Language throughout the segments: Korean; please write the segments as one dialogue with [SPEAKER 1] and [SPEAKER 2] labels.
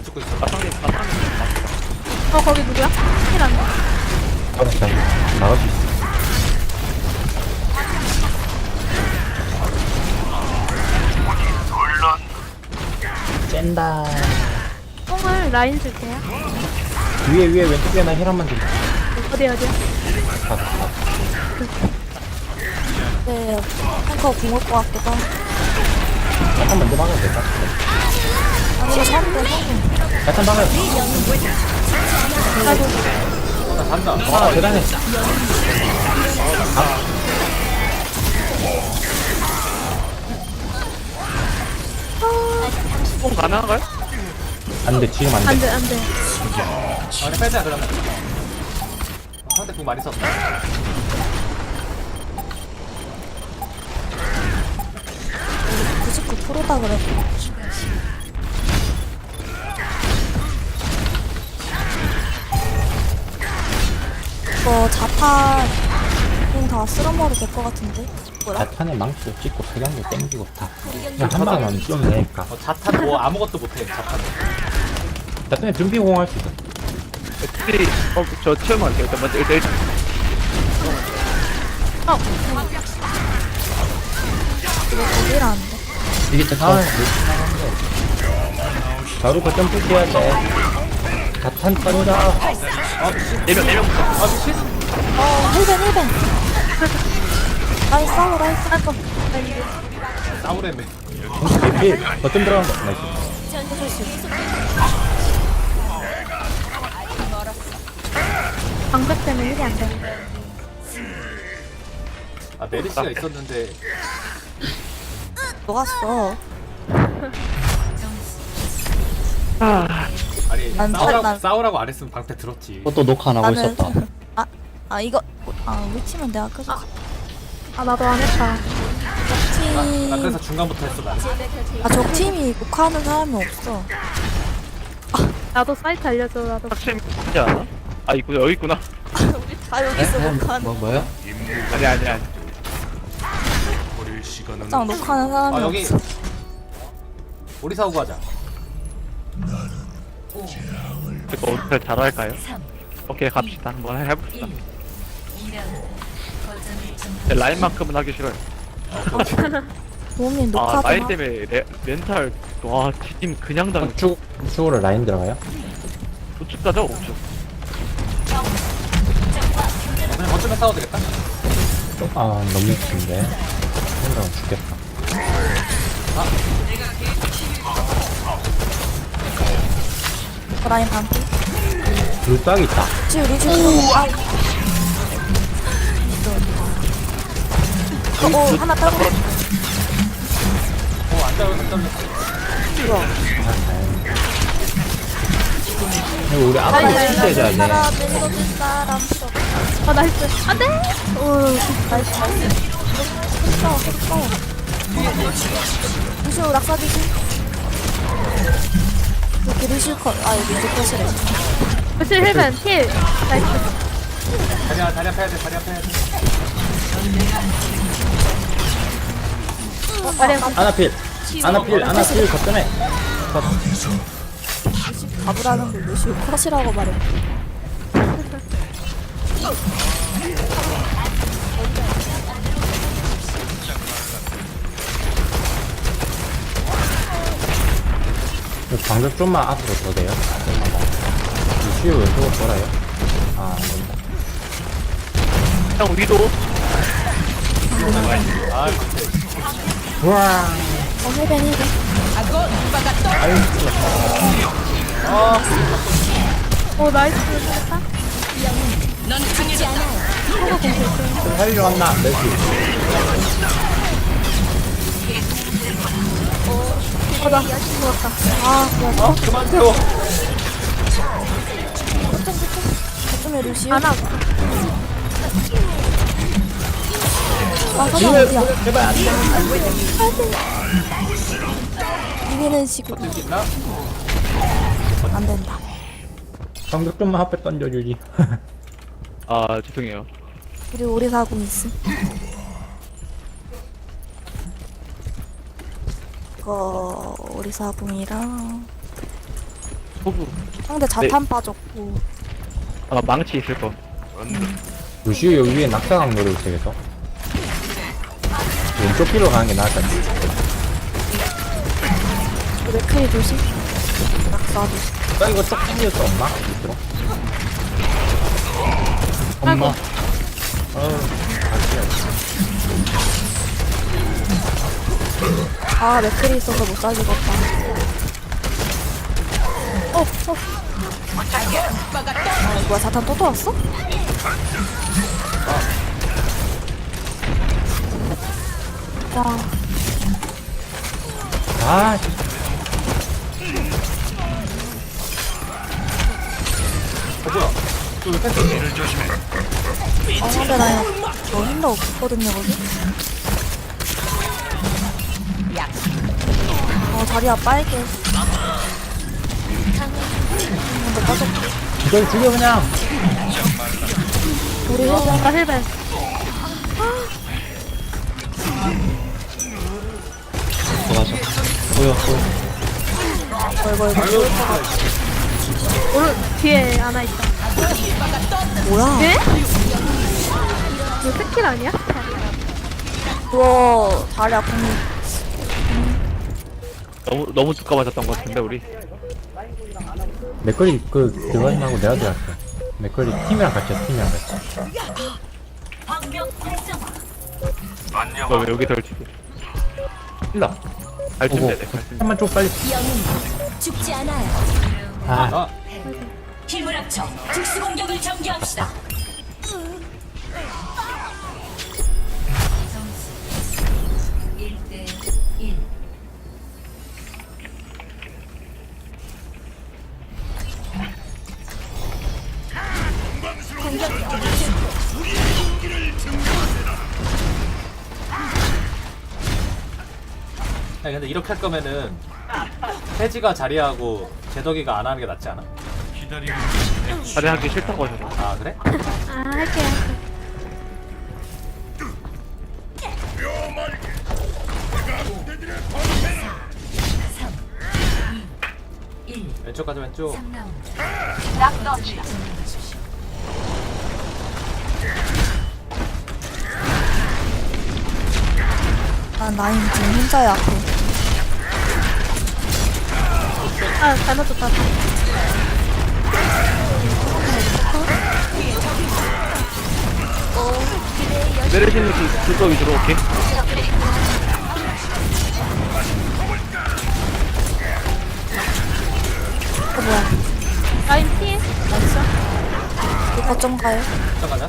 [SPEAKER 1] 죽고 있어.
[SPEAKER 2] 마상님
[SPEAKER 3] 거기 누구야? 힐안 돼?
[SPEAKER 4] 알았어. 나갈 수 있어. 짠다.
[SPEAKER 3] 뽕을 라인 줄게요.
[SPEAKER 4] 위에 왼쪽에 나 힐한만 좀.
[SPEAKER 3] 어디야?
[SPEAKER 4] 받아.
[SPEAKER 5] 네, 탱커 궁을 것 같기도 하고.
[SPEAKER 4] 약간 먼저 막아도 될까?
[SPEAKER 5] 아니, 이거 사는데 성공.
[SPEAKER 4] 약간 막아요.
[SPEAKER 3] 아이고,
[SPEAKER 1] 나 간다.
[SPEAKER 4] 와, 대단해.
[SPEAKER 2] 뽕 가능한가요?
[SPEAKER 4] 안 돼, 지금 안 돼.
[SPEAKER 3] 안 돼, 안 돼.
[SPEAKER 1] 그냥 빼자 그러면. 상대 공 많이 썼다.
[SPEAKER 5] 우리 99%다 그랬고. 이거 자탄 다 쓸어먹어도 될 것 같은데? 뭐라?
[SPEAKER 4] 자탄에 망치도 찍고 석양도 땡기고 다. 그냥 한 방만 쏘면 되니까.
[SPEAKER 1] 자탄 뭐 아무것도 못해. 자탄.
[SPEAKER 4] 자탄에 준비공 할 수 있어.
[SPEAKER 2] 특히 저 체험할게요. 일단 먼저 일단
[SPEAKER 5] 어디라는데?
[SPEAKER 4] 이게 자탄. 바로 거점 부셔야 돼. 자탄 던져.
[SPEAKER 2] 4명부터.
[SPEAKER 5] 힐벤. 나이스, 나이스.
[SPEAKER 1] 싸우래매.
[SPEAKER 4] 뒤에 거점 들어간다. 나이스.
[SPEAKER 5] 해줄 수 있어.
[SPEAKER 3] 방벽 때문에 힐이 안 돼.
[SPEAKER 1] 아 메르시가 있었는데
[SPEAKER 5] 녹았어.
[SPEAKER 1] 아니
[SPEAKER 5] 난 난-
[SPEAKER 1] 싸우라고 안 했으면 방패 들었지.
[SPEAKER 4] 또 녹화 안 하고
[SPEAKER 5] 나는
[SPEAKER 4] 있었다.
[SPEAKER 5] 이거 위치면 내가 켜줘.
[SPEAKER 3] 아, 나도 안 했다.
[SPEAKER 1] 나 그래서 중간부터 했어 나는.
[SPEAKER 5] 적 팀이 녹화하는 사람이 없어.
[SPEAKER 3] 나도 사이트 알려줘, 나도.
[SPEAKER 2] 확실히 하지 않아? 아 있구나 여기 있구나.
[SPEAKER 5] 우리 다 여기서 녹화하는.
[SPEAKER 4] 뭐야?
[SPEAKER 2] 아니.
[SPEAKER 5] 짱 녹화하는 사람이
[SPEAKER 1] 아 여기
[SPEAKER 5] 없어.
[SPEAKER 1] 우리 사오고 하자.
[SPEAKER 2] 이거 어떻게 잘할까요? 오케이 갑시다. 한번 해봅시다. 네, 라인만큼은 하기 싫어요.
[SPEAKER 5] 도움님
[SPEAKER 2] 아
[SPEAKER 5] 녹화
[SPEAKER 2] 라인
[SPEAKER 5] 좀
[SPEAKER 2] 때문에 렌탈 와 팀 그냥 당
[SPEAKER 4] 우측으로 라인 들어가요?
[SPEAKER 2] 우측 가죠 우측.
[SPEAKER 1] 그냥 거점에 싸워도 되겠다.
[SPEAKER 4] 너무 미친데. 생각하면 죽겠다.
[SPEAKER 5] 라인 반피.
[SPEAKER 4] 불닭 있다.
[SPEAKER 5] 루즈. 하나 따로.
[SPEAKER 1] 안 잘렸어.
[SPEAKER 4] 이거 우리 앞으로 치대줘야 돼.
[SPEAKER 5] 멜로디 사람 필요 없어.
[SPEAKER 3] 나이스. 안 돼! 오,
[SPEAKER 5] 나이스. 계속 싸워. 루시오 낙사 주시. 여기 루시오 컷. 여기 이제 컷이래.
[SPEAKER 3] 그치, 힐벤, 힐. 나이스.
[SPEAKER 1] 다리야 패야 돼. 다리야 패야 돼.
[SPEAKER 4] 아나필 거점에.
[SPEAKER 5] 바보라는 걸 루시오 컷이라고 말해.
[SPEAKER 4] 방벽 좀만 앞으로 더 돼요. 루시오 왼쪽으로 돌아요. 안 된다.
[SPEAKER 2] 형 위도
[SPEAKER 4] 우와.
[SPEAKER 5] 힐벤.
[SPEAKER 3] 오, 나이스. 됐다.
[SPEAKER 4] 살리러 왔나? 메시.
[SPEAKER 3] 나 죽었다.
[SPEAKER 5] 좋았어.
[SPEAKER 1] 그만 태워.
[SPEAKER 5] 거점에 루시오.
[SPEAKER 3] 안 하고.
[SPEAKER 5] 서장 어디야?
[SPEAKER 4] 제발 안 돼.
[SPEAKER 5] 이기는 식으로.
[SPEAKER 1] 있나?
[SPEAKER 5] 안 된다.
[SPEAKER 4] 방벽 좀만 앞에 던져주지.
[SPEAKER 2] 아 죄송해요.
[SPEAKER 5] 그리고 우리 사고 있음. 이거 우리 사공이랑
[SPEAKER 2] 호구.
[SPEAKER 5] 상대 자탄 빠졌고.
[SPEAKER 2] 아마 망치 있을 거.
[SPEAKER 4] 루시우 여기 위에 낙사강 노리고 있어야겠어. 왼쪽 길로 가는 게 나을 것 같아.
[SPEAKER 5] 맥크리 조심. 낙사 조심.
[SPEAKER 4] 나 이거 쪽 당길 수 없나? 밑으로?
[SPEAKER 3] 아이고.
[SPEAKER 5] 아, 맥크리 있어서 못 살리겠다. 뭐야, 자탄 또 돌았어? 와,
[SPEAKER 4] 아,
[SPEAKER 1] 뭐야? 저왜 펜스?
[SPEAKER 5] 상대 라인 저 힘도 없거든요, 거기. 자리야 빨개. 근데 빠졌고.
[SPEAKER 4] 이걸 죽여 그냥.
[SPEAKER 5] 우리 힐벤.
[SPEAKER 3] 나 힐벤.
[SPEAKER 5] 이거
[SPEAKER 3] 오른 뒤에 하나 있다.
[SPEAKER 5] 뭐야?
[SPEAKER 3] 네? 이거 스킬 아니야?
[SPEAKER 5] 그거 자리야 공이.
[SPEAKER 2] 너무 두꺼 맞았던 것 같은데 우리.
[SPEAKER 4] 맥거리 그거 하고 내가 들어갔어. 맥거리 팀이랑 같이 했어, 팀이랑 같이.
[SPEAKER 2] 너 왜 여기 덜치지?
[SPEAKER 4] 일러.
[SPEAKER 2] 알
[SPEAKER 4] 오고.
[SPEAKER 2] 준비해야 돼.
[SPEAKER 4] 한번 좀 빨리.
[SPEAKER 6] 죽지 않아요.
[SPEAKER 4] 아,
[SPEAKER 1] 아,
[SPEAKER 6] 힘을 합쳐 특수 공격을 전개합시다.
[SPEAKER 1] 아니 근데 이렇게 할 거면은 해지가 자리하고 제덕이가 안 하는 게 낫지 않아?
[SPEAKER 2] 자리하기 싫다고 하셔서.
[SPEAKER 1] 아 그래?
[SPEAKER 3] 아, 할게요.
[SPEAKER 1] 왼쪽 가자 왼쪽.
[SPEAKER 5] 난 라인 지금 혼자야 앞에.
[SPEAKER 3] 아, 잘못 줬다.
[SPEAKER 2] 내려지는 그거 위주로 오케이.
[SPEAKER 5] 뭐야?
[SPEAKER 3] 라인 피해.
[SPEAKER 5] 이거 거점 가요?
[SPEAKER 1] 왼쪽 가자.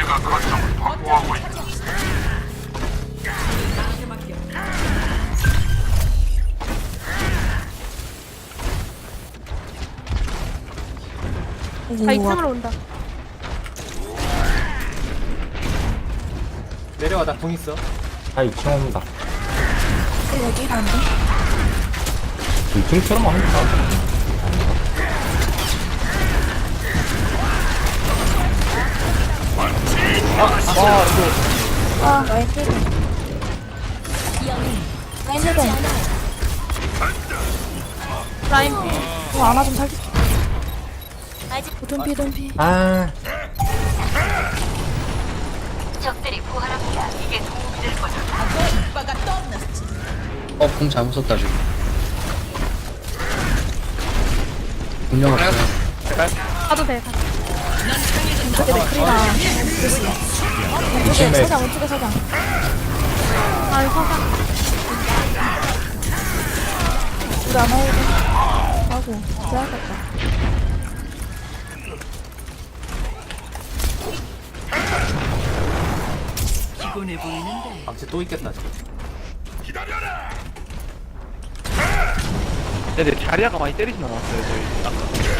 [SPEAKER 3] 다 2층으로 온다.
[SPEAKER 1] 내려와 나 궁 있어.
[SPEAKER 4] 다 2층 옵니다.
[SPEAKER 5] 여기 가는데?
[SPEAKER 4] 2층처럼 합니다.
[SPEAKER 5] 아, 라인 힐벤. 라인 힐벤.
[SPEAKER 3] 라인 피해.
[SPEAKER 5] 안아 좀 살릴게. 돈피.
[SPEAKER 4] 아,
[SPEAKER 7] 공 잘못 썼다 지금. 분명 없어.
[SPEAKER 3] 가도 돼, 가도.
[SPEAKER 5] 왼쪽에 맥크리랑. 왼쪽에 서장, 왼쪽에 서장.
[SPEAKER 3] 아, 서장.
[SPEAKER 5] 우리 안아 힐벤. 아이고, 빼야겠다.
[SPEAKER 1] 방치 또 있겠다 지금.
[SPEAKER 2] 근데 자리아가 많이 때리진 않았어요 저희. 아까.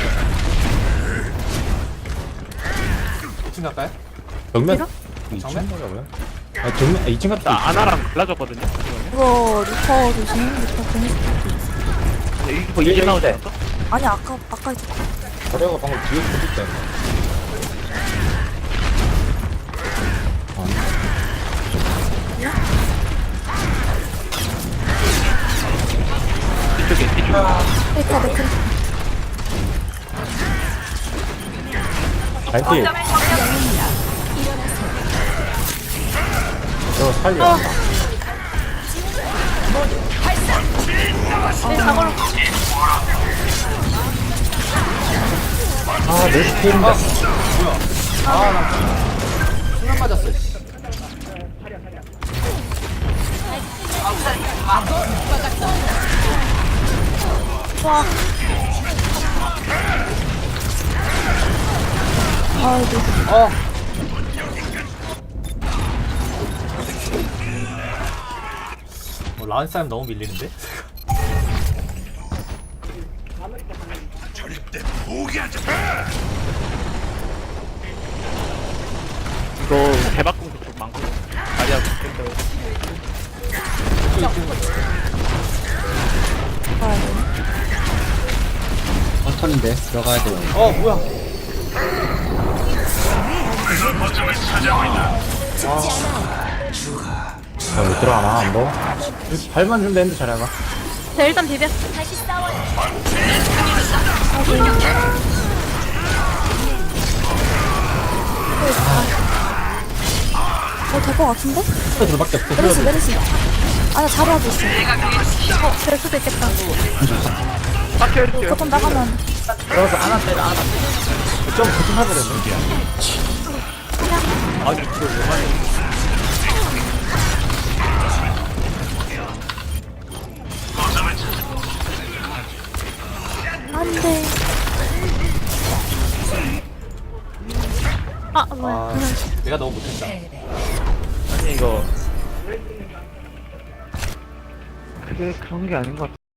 [SPEAKER 1] 2층 갈까요?
[SPEAKER 4] 정면.
[SPEAKER 3] 밀어?
[SPEAKER 4] 2층
[SPEAKER 1] 정면?
[SPEAKER 4] 가자고요? 아, 정면, 2층
[SPEAKER 2] 나
[SPEAKER 4] 갔다.
[SPEAKER 2] 아나랑 갈라졌거든요. 잠시만요.
[SPEAKER 5] 이거 리퍼 조심. 리퍼 공이.
[SPEAKER 2] 근데 이거 이제 나오지 않았어?
[SPEAKER 5] 아니, 아까 있었어.
[SPEAKER 4] 저래가 방금 뒤에 붙을 때.
[SPEAKER 2] 이쪽에.
[SPEAKER 5] 맥크리.
[SPEAKER 4] 라인필. 저 살려.
[SPEAKER 3] 네, 사고로.
[SPEAKER 4] 아, 내 스킬인데.
[SPEAKER 1] 아나 수면 맞았어 씨.
[SPEAKER 3] 와,
[SPEAKER 5] 아이고.
[SPEAKER 1] 라운 싸움 너무 밀리는데?
[SPEAKER 2] 이거 대박공도 좀 많고 다리하고
[SPEAKER 5] 아이고.
[SPEAKER 7] 버턴인데 들어가야 돼요.
[SPEAKER 1] 뭐야
[SPEAKER 4] 못 들어가나, 안 보? 발만 좀 되는데 잘해봐.
[SPEAKER 3] 자, 일단 비벼.
[SPEAKER 6] 다시 싸워요.
[SPEAKER 5] 될 것 같은데?
[SPEAKER 4] 둘밖에 없어.
[SPEAKER 5] 메르시, 메르시. 아, 나 자리하고 있어.
[SPEAKER 3] 될 수도 있겠다.
[SPEAKER 2] 빡쳐야죠.
[SPEAKER 5] 조금 나가면.
[SPEAKER 4] 들어가서 안아 때려, 안아. 좀 고통하더라고.
[SPEAKER 2] 아니 그걸 왜 하냐.
[SPEAKER 5] 안 돼.
[SPEAKER 3] 아, 뭐야.
[SPEAKER 1] 아 내가 너무 못했다
[SPEAKER 2] 아니 이거 그게 그런 게 아닌 것 같아.